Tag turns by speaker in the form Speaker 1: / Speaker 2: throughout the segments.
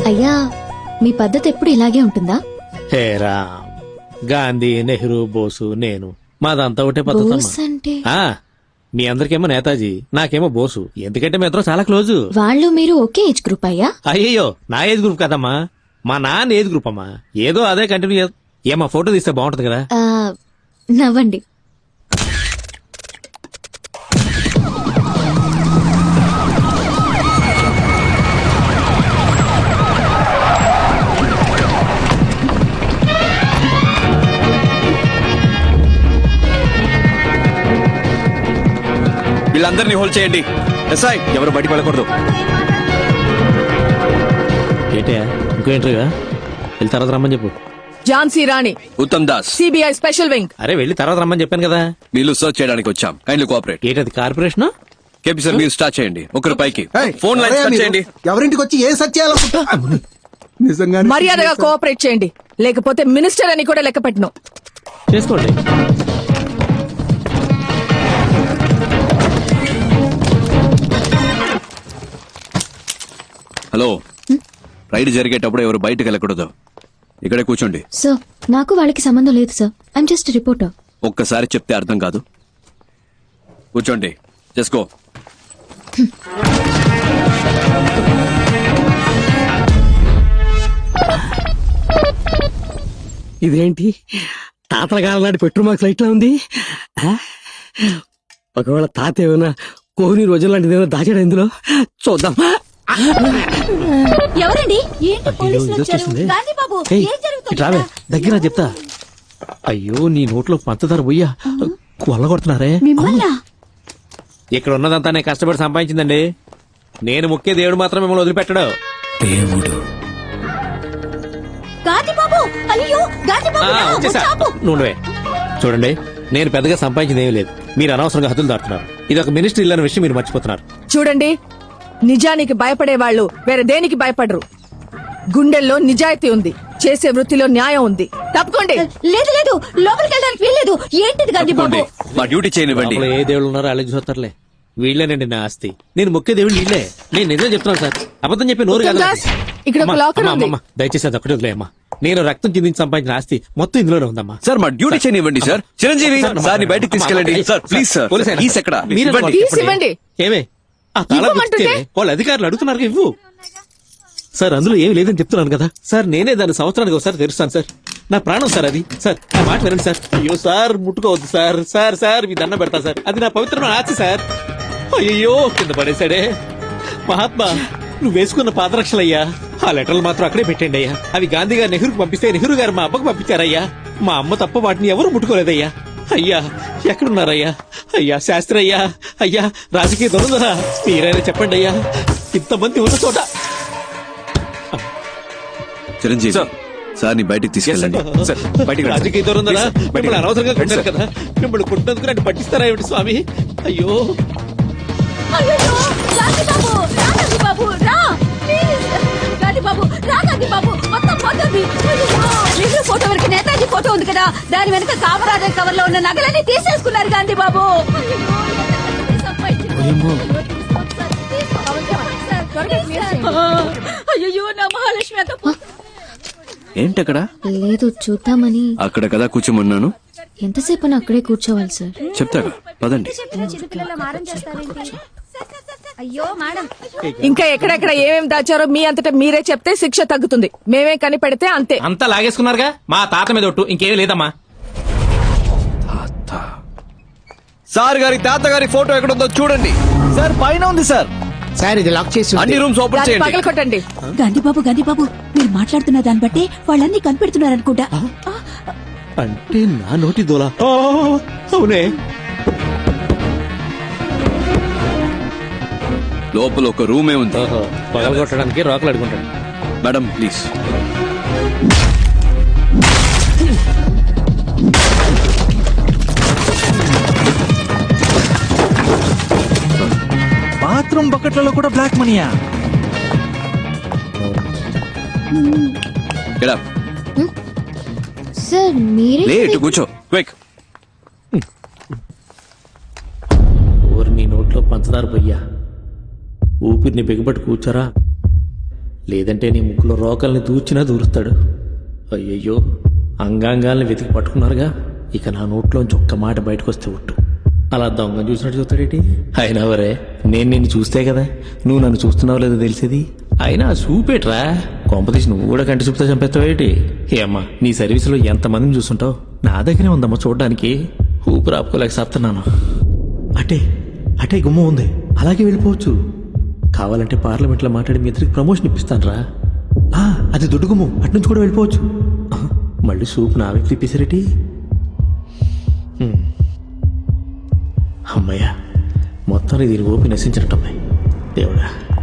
Speaker 1: అయ్యా మీ పద్ధతి ఎప్పుడు ఇలాగే ఉంటుందా?
Speaker 2: హేరా గాంధీ, నెహ్రూ, బోసు, నేను మాదంతా ఒకటే పద్ధతి
Speaker 1: బోస్ అంటే
Speaker 2: మీ అందరికేమో నేతాజీ, నాకేమో బోసు. ఎందుకంటే మీ ఇద్దరం చాలా క్లోజు.
Speaker 1: వాళ్ళు మీరు ఒకే ఏజ్ గ్రూప్ అయ్యా?
Speaker 2: అయ్యయ్యో, నా ఏజ్ గ్రూప్ కదమ్మా, మా నాన్న ఏజ్ గ్రూప్ అమ్మా. ఏదో అదే కంటిన్యూ ఏమా ఫోటో తీస్తే బాగుంటది కదా.
Speaker 1: నవ్వండి.
Speaker 3: వీళ్ళందరినీ హోల్డ్ చేయండి. ఎస్ఐ ఎవరు బయటికి వెళ్ళకూడదు.
Speaker 2: ఏంటే ఇంకో ఎంట్రీగా వెళ్ళి తర్వాత రమ్మని చెప్పు.
Speaker 4: Jhansi Rani,
Speaker 3: Uttam Das,
Speaker 4: CBI special wing.
Speaker 2: అరే వెళ్ళి తర్వాత రమ్మని చెప్పాను కదా.
Speaker 3: వీళ్ళు సర్చ్ చేయడానికి వచ్చాం. Kindly cooperate.
Speaker 2: ఏంటది కార్పొరేషన్?
Speaker 3: కేపీ సార్ మీరు స్టార్ట్ చేయండి. ఒకరు పైకి ఫోన్ లైన్ స్టార్ట్ చేయండి.
Speaker 5: ఎవరింటికి వచ్చి ఏ సర్చ్ చేయాలనుకుంటా నిజంగా
Speaker 4: మర్యాదగా కోఆపరేట్ చేయండి, లేకపోతే మినిస్టర్ అని కూడా లెక్క పెట్టను.
Speaker 2: చేసుకోండి.
Speaker 3: హలో, రైడ్ జరిగేటప్పుడు ఎవరు బయటకు వెళ్ళకూడదు. ఇక్కడే కూర్చోండి.
Speaker 1: సార్ నాకు వాళ్ళకి సంబంధం లేదు సార్. I'm just reporter.
Speaker 3: ఒక్కసారి చెప్తే అర్థం కాదు. కూర్చోండి. చేసుకో.
Speaker 6: ఇదేంటి తాతల కాలం నాటి పెట్రోల్ మార్క్స్ లైట్ లా ఉంది. ఒకవేళ తాత ఏమైనా కోహ్లీ రోజుల లాంటిది ఏమైనా దాచాడు ఇందులో, చూద్దాం.
Speaker 1: ఎవరండి?
Speaker 2: దగ్గర చెప్తా. అయ్యో నీ నోట్లో పంచదార పోయ్యా కొల్లగొడుతున్నారే. ఇక్కడ ఉన్నదంతా నేను కష్టపడి సంపాదించిందండి. నేను ముఖ్య దేవుడు మాత్రం మిమ్మల్ని వదిలిపెట్టడు.
Speaker 3: దేవుడు
Speaker 2: నువ్వే చూడండి, నేను పెద్దగా సంపాదించింది ఏమీ లేదు. మీరు అనవసరంగా హద్దులు దాటుతున్నారు. ఇది ఒక మినిస్ట్రీ ఇల్లు అనే విషయం మీరు మర్చిపోతున్నారు.
Speaker 4: చూడండి, నిజానికి భయపడే వాళ్ళు వేరే దేనికి భయపడరు. గుండెల్లో నిజాయితీ ఉంది, చేసే వృత్తిలో న్యాయం ఉంది. తప్పుకోండి.
Speaker 1: లేదు లేదు, లోపలికి వెళ్ళడానికి వీల్లేదు. ఏంటిది గాంధీ బాబు?
Speaker 3: మా డ్యూటీ చేయనివ్వండి.
Speaker 2: లోపల ఏ దేవుళ్ళు ఉన్నారో అలాగే చూస్తారులే. వీళ్ళేనండి నా ఆస్తి. నేను ముఖ్య దేవుడు వీళ్ళే. నేను నిజం చెప్తున్నాను సార్, అబద్ధం చెప్పి నోరు కాదు.
Speaker 4: ఇక్కడ ఒక లాకర్ ఉంది.
Speaker 2: దయచేసి అది ఒకటి వదిలేయమ్మా. నేను రక్తం చిందించి సంపాదించిన ఆస్తి మొత్తం ఇందులోనే ఉందమ్మా.
Speaker 3: సార్ మా డ్యూటీ చేయనివ్వండి సార్. చిరంజీవి సార్ ని బయటకు తీసుకెళ్ళండి. Sir please sir. ప్లీజ్ ఎక్కడ
Speaker 4: ఇవ్వండి.
Speaker 2: ఏమే ఆ తాళం ఇస్తే వాళ్ళు అధికారులు అడుగుతున్నారు ఇవ్వు. సార్ అందులో ఏమి లేదని చెప్తున్నాను కదా సార్. నేనే దాన్ని సంవత్సరానికి ఒకసారి తెరుస్తాను సార్. నా ప్రాణం సార్ అది. సార్ నా మాట వినండి సార్. అయ్యో సార్ ముట్టుకోవద్దు సార్. సార్ సార్ మీ దండం పెడతా సార్. అది నా పవిత్రమైన ఆస్తి సార్. అయ్యో కింద పడేశాడే. మహాత్మా నువ్వు వేసుకున్న పాదరక్షలయ్యా. ఆ లెటర్లు మాత్రం అక్కడే పెట్టండి అయ్యా. అవి గాంధీ గారు నెహ్రూకి పంపిస్తే నెహ్రూ గారు మా అబ్బకు పంపించారయ్యా. మా అమ్మ తప్ప వాటిని ఎవరు ముట్టుకోలేదయ్యా. అయ్యా ఎక్కడున్నారయ్యా? అయ్యా శాస్త్రి అయ్యా, అయ్యా రాజకీయ దొరుకుదరా, మీరైనా చెప్పండి అయ్యా. ఇంతమంది ఉన్న చోట.
Speaker 3: చిరంజీవి సార్ ని బయటకు తీసుకెళ్ళండి.
Speaker 2: రాజకీయ దొరుకుదరా, మిమ్మల్ని అనవసరంగా కొట్టారు కదా. మిమ్మల్ని కొట్టినందుకు నన్ను పట్టిస్తారా ఏమిటి స్వామి? అయ్యో
Speaker 1: నెహ్రూ ఫోటో వరకు నేతాజీ ఫోటో ఉంది కదా, దాని వెనక కామరాజర్ కవర్ లో ఉన్న నగలన్నీ తీసేసుకున్నారు గాంధీ బాబు. అయ్యో నా మహాలక్ష్మి అంత
Speaker 3: ఏంటక్కడ?
Speaker 1: లేదు చూద్దామని.
Speaker 3: అక్కడ కదా కూర్చోమన్నాను.
Speaker 1: ఎంతసేపు అక్కడే కూర్చోవాలి సార్?
Speaker 3: చెప్తాగా పదండి.
Speaker 4: ఇంకా ఎక్కడెక్కడ ఏమేమి దాచారో మీ అంతటా మీరే చెప్తే శిక్ష తగ్గుతుంది. మేమే కనిపెడితే అంతే.
Speaker 2: అంతా లాగేసుకున్నారుగా. మా తాత మీద ఒట్టు, ఇంకేమీ లేదమ్మా.
Speaker 3: సార్ గారి తాత గారి ఫోటో ఎక్కడుందో చూడండి సార్. పైన ఉంది సార్.
Speaker 6: సార్ ఇది లాక్ చేసి
Speaker 3: అన్ని రూమ్స్ ఓపెన్ చేయండి.
Speaker 4: పగల కొట్టండి.
Speaker 7: గాంధీ బాబు మీరు మాట్లాడుతున్న దాన్ని బట్టి వాళ్ళన్నీ కనిపెడుతున్నారనుకుంటా.
Speaker 2: అంటే నా నోటి దోలా? అవునే.
Speaker 3: లోపల ఒక రూమే ఉంది.
Speaker 2: పగలగొట్టడానికి రాకులు అడుగుంటాడు.
Speaker 3: Madam please.
Speaker 8: బాత్రూమ్ బకెట్లలో కూడా బ్లాక్ మనీయా?
Speaker 1: సార్ మీరే
Speaker 3: లేట్ కూర్చో క్విక్.
Speaker 2: ఊరి నీ నోట్లో పంచదార పోయ్యా. ఊపిరిని బిగబట్టి కూర్చోరా. లేదంటే నీ ముక్కులో రోకల్ని దూర్చినా దూరుస్తాడు. అయ్యయ్యో, అంగాంగాల్ని వెతికి పట్టుకున్నారుగా, ఇక నా నోట్లోంచి ఒక్క మాట బయటకు వస్తే ఒట్టు. అలా దొంగ చూసినట్టు చూస్తాడేటి? అయినా వరే, నేను నిన్ను చూస్తే కదా నువ్వు నన్ను చూస్తున్నావు లేదో తెలిసేది. అయినా చూపేట్రా, కొంపతీసి నువ్వు కూడా కంటి చూపుతా చంపేస్తావేటి? అమ్మా, నీ సర్వీసులో ఎంతమందిని చూసుంటావు, నా దగ్గరే ఉందమ్మా చూడడానికి. ఊపిరి ఆపుకోలేక సత్తున్నాను. అటే అటే గుమ్మం ఉంది, అలాగే వెళ్ళిపోవచ్చు. కావాలంటే పార్లమెంట్లో మాట్లాడి మీ ఇద్దరికి ప్రమోషన్ ఇప్పిస్తాను రా. అది దొడ్డు గుమ్మం, అట్నుంచి కూడా వెళ్ళిపోవచ్చు. మళ్ళీ సూప్ నా వ్యక్తి తిప్పేసరేటి? అమ్మయ్యా, మొత్తాన్ని దీని ఓపి నశించినట్టమ్మాయి దేవుడా.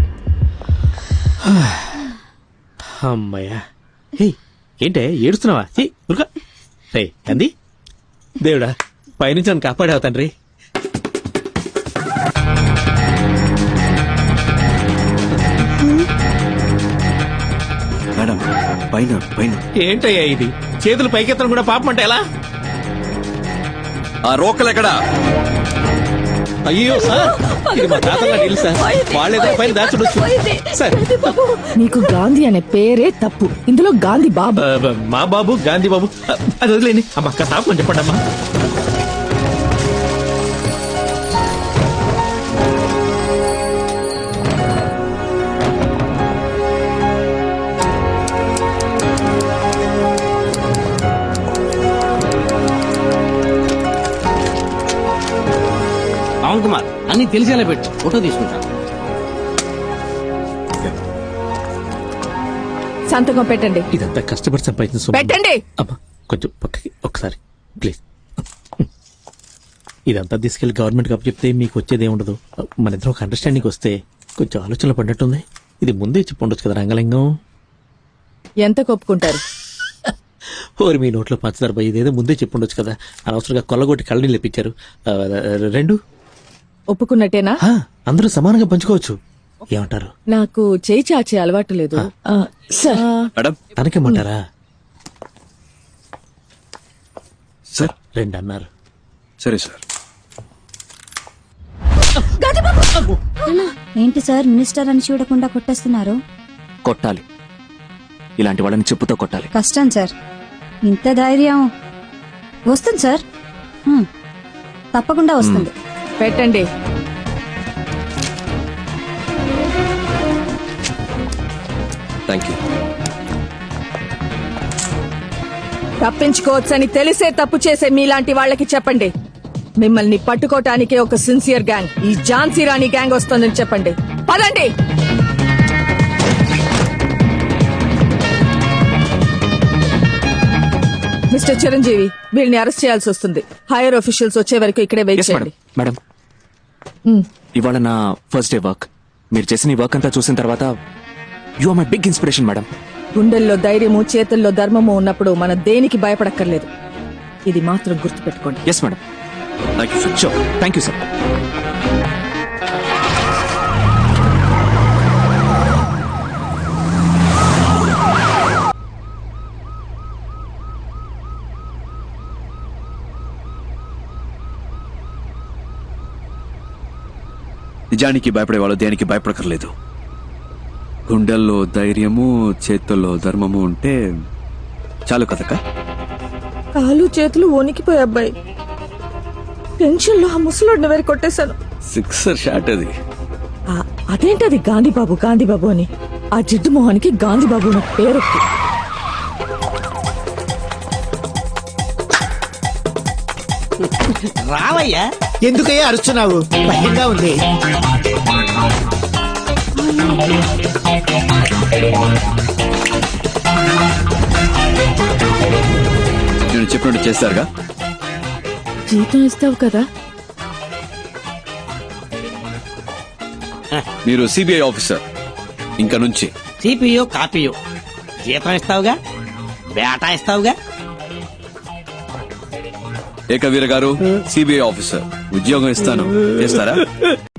Speaker 2: అమ్మయ్యా. హే, ఏంటే ఏడుస్తున్నావా? ఉరుక రే అంది. దేవుడా, పైనుంచి నన్ను కాపాడావు తండ్రి.
Speaker 3: మేడం పైన పైన
Speaker 2: ఏంటయ్యా ఇది? చేతులు పైకెత్తడం కూడా పాపం అంటే ఎలా?
Speaker 3: ఆ రోకలు ఎక్కడా?
Speaker 2: అయ్యో సార్, ఇది మా తాతల ఇల్లు సార్, వాళ్ళేదో పైన దాచుడొచ్చు సార్.
Speaker 4: నీకు గాంధీ అనే పేరే తప్పు, ఇందులో గాంధీ బాబు.
Speaker 2: మా బాబు గాంధీ బాబు, అది వదిలేండి. అమ్మ తాపని చెప్పండి అమ్మా.
Speaker 6: పవన్ కుమార్, అన్ని తెలిసేలా పెట్టు, ఫోటో తీసుకుంటా.
Speaker 4: సంతకం పెట్టండి.
Speaker 2: ఇదంతా కష్టపడి సంపాదించిన సొమ్ము.
Speaker 4: పెట్టండి.
Speaker 2: అమ్మా కొంచెం పక్కకి ఒకసారి ప్లీజ్. ఇదంతా తీసుకెళ్లి గవర్నమెంట్ కప్పు చెప్తే మీకు వచ్చేది ఏముండదు. మన ఇద్దరం ఒక అండర్స్టాండింగ్ వస్తే కొంచెం ఆలోచనలు పడినట్టుంది. ఇది ముందే చెప్పి ఉండొచ్చు కదా రంగలింగం.
Speaker 4: ఎంత కొప్పుకుంటారు?
Speaker 2: ఓరి మీ నోట్లో పంచదార పోయి, ఇదేదో ముందే చెప్పి ఉండొచ్చు కదా. అనవసరంగా కొల్లగొట్టి కళ్ళని లేపించారు. 2
Speaker 4: ఒప్పుకున్నట్టేనా?
Speaker 2: అందరూ సమానంగా పంచుకోవచ్చు. ఏమంటారు?
Speaker 4: నాకు చేయి చాచే అలవాటు లేదు సార్.
Speaker 3: మేడం
Speaker 2: తనకేమంటారా?
Speaker 3: సార్
Speaker 2: 2 అన్నారు.
Speaker 3: సరే సార్.
Speaker 7: ఏంటి సార్ మినిస్టర్ అని చూడకుండా కొట్టేస్తున్నారు?
Speaker 9: కొట్టాలి, ఇలాంటి వాళ్ళని చెప్పుతో కొట్టాలి.
Speaker 7: కష్టం సార్, ఇంత ధైర్యం వస్తుంది సార్. తప్పకుండా వస్తుంది.
Speaker 4: పెట్టండి.
Speaker 3: Thank you.
Speaker 4: తప్పించుకోవచ్చని తెలిసే తప్పు చేసే మీలాంటి వాళ్ళకి చెప్పండి, మిమ్మల్ని పట్టుకోటానికే ఒక సిన్సియర్ గ్యాంగ్, ఈ ఝాన్సీ రాణి గ్యాంగ్ వస్తుందని చెప్పండి. పదండి. మిస్టర్ చిరంజీవి, వీళ్ళని అరెస్ట్ చేయాల్సి వస్తుంది. హైయర్ ఆఫీషియల్స్ వచ్చే వరకు ఇక్కడే వెయిట్ చేయండి.
Speaker 9: మేడం, ఇవాళ నా ఫస్ట్ డే వర్క్. మీరు చేసిన ఈ వర్క్ అంతా చూసిన తర్వాత you are my big inspiration madam.
Speaker 4: గుండెల్లో ధైర్యము, చేతుల్లో ధర్మము ఉన్నప్పుడు మనం దేనికి భయపడక్కర్లేదు. ఇది మాత్రం గుర్తుపెట్టుకోండి.
Speaker 9: Yes madam.
Speaker 3: Thank you sir.
Speaker 9: Sure, thank you sir.
Speaker 3: నిజానికి భయపడేవాళ్ళు దేనికి భయపడకర్లేదు. గుండెల్లో ధైర్యము, చేతుల్లో ధర్మము ఉంటే చాలు కదక్క.
Speaker 4: కాలు చేతులు వణికిపోయి అబ్బాయి, టెన్షన్ లో ఆ ముసలోడిని వేరు కొట్టేశాను.
Speaker 3: 6 షాట్ అది.
Speaker 4: అదేంటది గాంధీబాబు గాంధీబాబు అని? ఆ జిడ్డు మొహానికి గాంధీబాబు నా పేరు.
Speaker 6: రావయ్యా.
Speaker 5: ఎందుకయ్యా అరుస్తున్నావు? భయంగా ఉంది.
Speaker 3: నేను చెప్పినట్టు చేస్తారుగా.
Speaker 4: జీతం ఇస్తావు కదా?
Speaker 3: మీరు సిబిఐ ఆఫీసర్ ఇంకా నుంచి.
Speaker 6: సిపియో కాపీయో జీతం ఇస్తావుగా, బేటా ఇస్తావుగా.
Speaker 3: ఏకవీర గారు, సిబిఐ ఆఫీసర్ ఉద్యోగం ఇస్తాను, చేస్తారా?